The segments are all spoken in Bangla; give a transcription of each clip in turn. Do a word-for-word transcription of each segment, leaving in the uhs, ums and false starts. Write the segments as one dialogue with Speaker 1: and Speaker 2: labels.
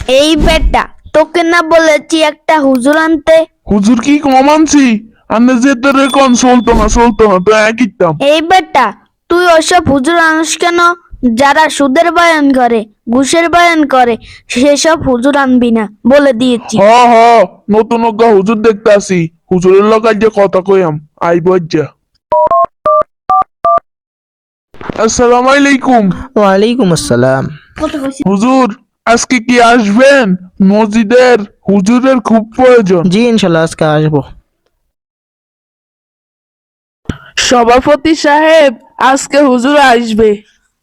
Speaker 1: এই বেটা, তোকে না বলেছি একটা হুজুর আনতে?
Speaker 2: হুজুর কি কম আনছি? আন্নে যে তোর কোন চলতো না চলতো না তো একই দাম।
Speaker 1: এই বেটা, তুই ওসব হুজুর আনিস কেন? যারা সুদের বয়ান করে, ঘুষের বয়ান করে, সেসব হুজুর আনবি না, বলে দিয়েছি।
Speaker 2: হ হ নতুন অজ্ঞা হুজুর দেখতে আসি, হুজুরের লোক আজ কথা কইয়াম আইব যা। আসসালামু আলাইকুম।
Speaker 3: ওয়ালাইকুম আসসালাম।
Speaker 2: হুজুর আজকে কি আসবেন? মসজিদের হুজুরের খুব প্রয়োজন।
Speaker 3: জি ইনশাল্লাহ আজকে আসবো।
Speaker 4: সভাপতি সাহেব, আজকে হুজুর আসবে।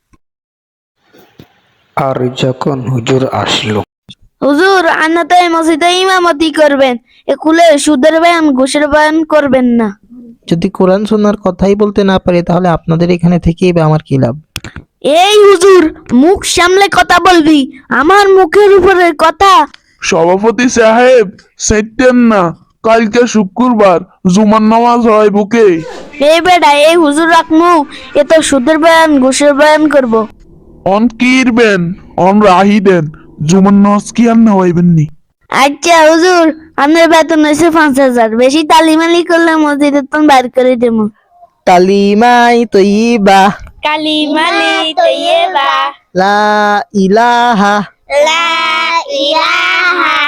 Speaker 5: আর যখন হুজুর আসলো,
Speaker 1: হুজুর, আন্না তো এই মসজিদে ইমামতি করবেন, এ কুলে সুদের বয়ান ঘুষের বয়ান করবেন না।
Speaker 3: যদি কোরআন সুন্নাহর কথাই বলতে না পারি তাহলে আপনাদের এখানে থেকেই বা আমার কি লাভ?
Speaker 1: এই হুজুর, মুখ সামলে কথা বলবি, আমার মুখের উপরে কথা।
Speaker 2: সভাপতি সাহেব সেটেন না, কালকে শুক্রবার জুমার নামাজ হয় বুকে।
Speaker 1: এই বেটা, এই হুজুর রাখমু, এ তো সুদের বয়ান ঘুষের বয়ান করব।
Speaker 2: অন কিরবেন অন রাহি দেন, জুমার নামাজ কি আর না হইবেন নি।
Speaker 1: আচ্ছা হুজুর, আপনার বেতন হয়েছে পাঁচ হাজার, বেশি তালিমালি করলে মসজিদের তো বাইর করে দেবো।
Speaker 3: কালিমাই তৈবা
Speaker 1: কালিমালি তৈয়বা,
Speaker 3: লা ইলাহা
Speaker 1: লা ইলাহা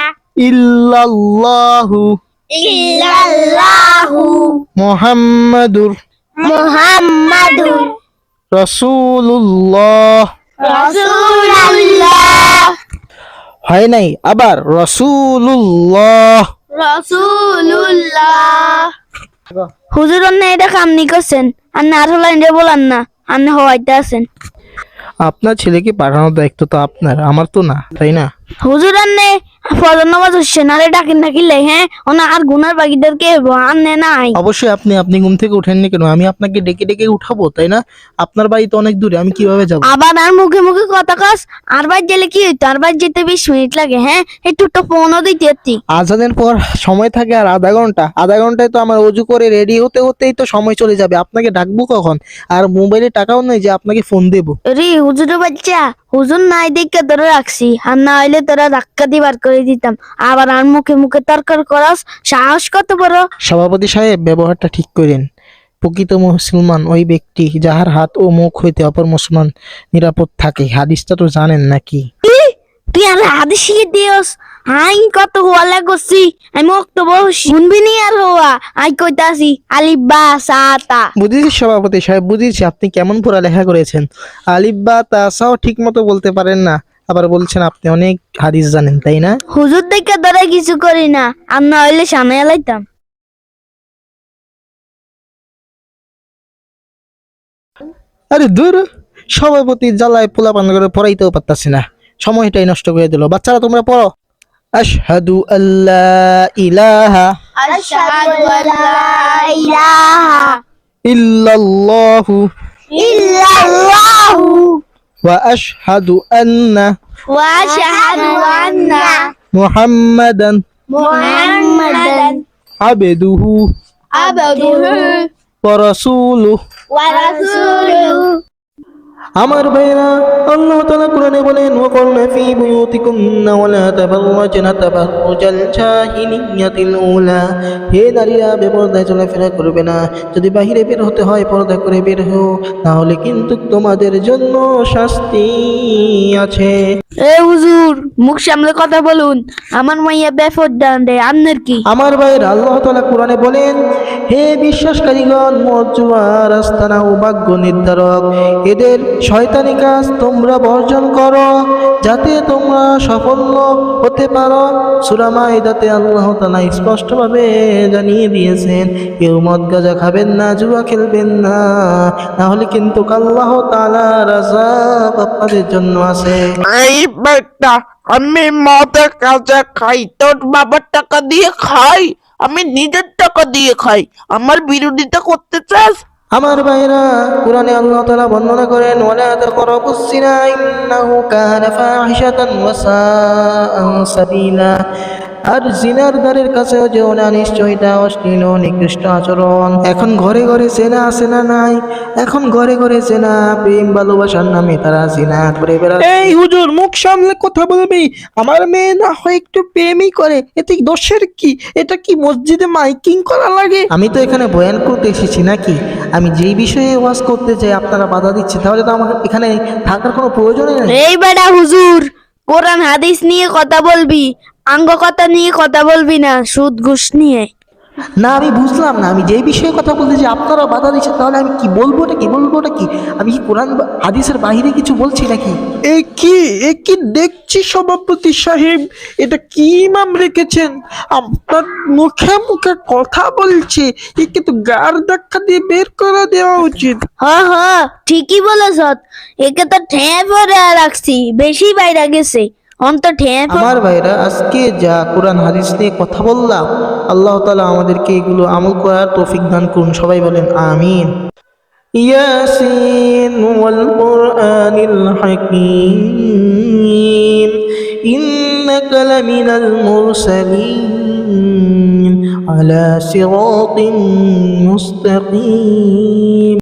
Speaker 3: ইল্লাল্লাহু
Speaker 1: ইল্লাল্লাহু
Speaker 3: মুহাম্মাদুর
Speaker 1: মুহাম্মাদুর
Speaker 3: রাসূলুল্লাহ।
Speaker 1: রাসূলুল্লাহ
Speaker 3: হয় নাই, আবার রাসূলুল্লাহ।
Speaker 1: রাসূলুল্লাহ। হুজুর, অন্য এটা কামনি করছেন, আর না আর হলেন যে বলান না, আপনি হওয়াইতে আছেন।
Speaker 3: আপনার ছেলেকে পাঠানোর দায়িত্ব তো আপনার, আমার তো না, তাই না?
Speaker 1: হুজুর, আন্নে ফজর নামাজ হচ্ছে না রে, ডাকেন ডাকিলে হ্যাঁ ওনা আর গুনার বাকিদেরকে আন্নে নাই।
Speaker 3: অবশ্যই আপনি আপনি ঘুম থেকে উঠেননি কেন? আমি আপনাকে ডেকে ডেকে উঠাবো, তাই না? আপনার বাড়ি তো অনেক দূরে, আমি কিভাবে যাব?
Speaker 1: আবার আর মুখে মুখে কথা কস, আর বার গেলে কি হইতো? আর বার যেতে বিশ মিনিট লাগে, হ্যাঁ একটু তো ফোনও দিতে পারতি।
Speaker 3: আজানের পর সময় থাকে আর আধা ঘন্টা, আধা ঘন্টায় তো আমার অজু করে রেডি হতে হতেই তো সময় চলে যাবে। আপনাকে ডাকবো কখন? আর মোবাইলে টাকাও নেই যে আপনাকে ফোন দেবো।
Speaker 1: রে হুজুরের বাচ্চা, হুজুর নাই দেখে ধরে রাখছি, আর না হইলে তোরা ধাক্কা দিবার করে দিতাম। আবার আর মুখে মুখে তর্ক করস, সাহস কত বড়!
Speaker 3: সভাপতি সাহেব, ব্যবহারটা ঠিক করেন। প্রকৃত মুসলমান ওই ব্যক্তি যাহার হাত ও মুখ হইতে অপর মুসলমান নিরাপদ থাকে। হাদিসটা তো জানেন নাকি?
Speaker 1: তুই আর হাদিস শিখে দিওস? আই কত হওয়া করছি, আমি অক্টোব শুনবি নি আর হওয়া। আই কইতাছি আলিফ বা সাতা।
Speaker 3: বুঝেছি সভাপতি সাহেব, বুঝেছি আপনি কেমন পড়ালেখা করেছেন। আলিফ বা তাসাও ঠিক মতো বলতে পারেন না, আবার বলছেন আপনি অনেক হাদিস জানেন, তাই না?
Speaker 1: হুজুর দেখে ধরে কিছু করি না, আর না হইলে সামনে এলাইতাম।
Speaker 3: আরে দূর, সভাপতি জ্বালায় পোলা পান করে পড়াইতেও পারতাছি না, সময়টাই নষ্ট করে দিল। বাচ্চারা তোমরা পড়ো। আশহাদু আল্লা ইলাহা
Speaker 1: আশহাদু আল্লা ইলাহা
Speaker 3: ইল্লাল্লাহু
Speaker 1: ইল্লাল্লাহু
Speaker 3: ওয়া আশহাদু আন্না
Speaker 1: ওয়া আশহাদু আন্না
Speaker 3: মুহাম্মাদান
Speaker 1: মুহাম্মাদান
Speaker 3: আবদুহু
Speaker 1: আবদুহু
Speaker 3: ওয়া রাসূলুহু।
Speaker 1: ওয়া রাসূলুহু।
Speaker 3: আমার ভাইরা, আল্লাহ তাআলা কোরআনে বলেন, ওয়াকুরনা ফি বুয়ুতিকুন্না ওয়ালা তাবাররাজনা তাবাররুজাল জাহিলিয়াতিল উলা। হে নারীরা, বেপরদায় চলাফেরা করবে না। যদি বাহিরে বের হতে হয় পর্দা করে বের হও, তাহলে কিন্তু তোমাদের জন্য শাস্তি আছে।
Speaker 1: এ হুজুর, মুখ সামলে কথা বলুন, আমার মাইয়া বেফর ডান রে, আপনার কি?
Speaker 3: আমার ভাইয়ের, আল্লাহ তাআলা কোরআনে বলেন, হে বিশ্বাসকারীগণ, মদ, জুয়া, রাস্তানা ও ভাগ্য নির্ধারক এদের শয়তানি কাজ তোমরা বর্জন করো, যাতে তোমরা সাফল্য হতে পারো। সূরা মাইদাতে আল্লাহ তাআলা স্পষ্টভাবে জানিয়ে দিয়েছেন, কেউ মদ গাঁজা খাবেন না, জুয়া খেলবেন না, তাহলে কিন্তু আল্লাহ তাআলার আযাব আপনাদের জন্য আছে।
Speaker 4: এই বেটা, আমি মদে কাজে খাই, তোর বাবার টাকা দিয়ে খাই? আমি নিজের টাকা দিয়ে খাই, আমার বিরোধিতা করতে চাস?
Speaker 3: আমার ভাইরা, কোরআনে আল্লাহ তাআলা বর্ণনা করেন, ওয়ালা তাকরাবুস জিনা ইন্নাহু কানা ফাহিশাতান ওয়া সাআ সাবিলা। আর জিনার দ্বারের কাছেও যেও না, নিশ্চয় এটা অশ্লীল ও নিকৃষ্ট আচরণ। এখন ঘরে ঘরে জেনা আছে না নাই? এখন ঘরে ঘরে জেনা, প্রেম ভালোবাসার নামে তারা জিনা করে বেড়াচ্ছে।
Speaker 6: এই হুজুর, মুখ সামলে কথা বলবি। আমার মেয়ে না হয় একটু প্রেমই করে, এতে দোষের কি? এটা কি মসজিদে মাইকিং করা লাগে?
Speaker 3: আমি তো এখানে বয়ান করতে এসেছি নাকি? আমি যেই বিষয়ে ওয়াজ করতে চাই আপনারা বাধা দিচ্ছে, তাহলে তো আমার এখানে থাকার কোনো প্রয়োজনই নেই।
Speaker 1: এই বেটা হুজুর, কোরআন হাদিস নিয়ে কথা বলবি, আঙ্গ কথা নিয়ে কথা বলবি না, সুদ ঘুষ নিয়ে।
Speaker 3: না, আমি বুঝলাম না। আমি যেই বিষয়ে কথা বলতে চাই আপনারা বাধা দিচ্ছেন, তাহলে আমি কি বলবো? ওটা কি বলবো? ওটা কি? আমি কি কোরআন বা হাদিসের বাইরে কিছু বলছি নাকি?
Speaker 6: এ কি এ কি দেখছি সভাপতি সাহেব, এটা কি ইমাম রেখেছেন? আপনার মুখে মুখে কথা বলছে, একে তো গার ধাক্কা দিয়ে বের করে দেওয়া উচিত।
Speaker 1: হ হ, ঠিকই বলেছ। একে তো ঠেঁ পরে রাখছি, বেশি বাইরে গেছে। অন্ত ঠেঁ পড়ে-
Speaker 3: আমার ভাইরা, আজকে যা কোরআন হাদিস নিয়ে কথা বললাম, আল্লাহ তাআলা আমাদেরকে এগুলো আমল করার তৌফিক দান করুন। সবাই বলেন আমিন। ইয়াসিন ওয়াল কুরআনিল হাকীম ইন্নাকা লামিনাল মুরসালিন আলা সিরাতিন মুস্তাকিম।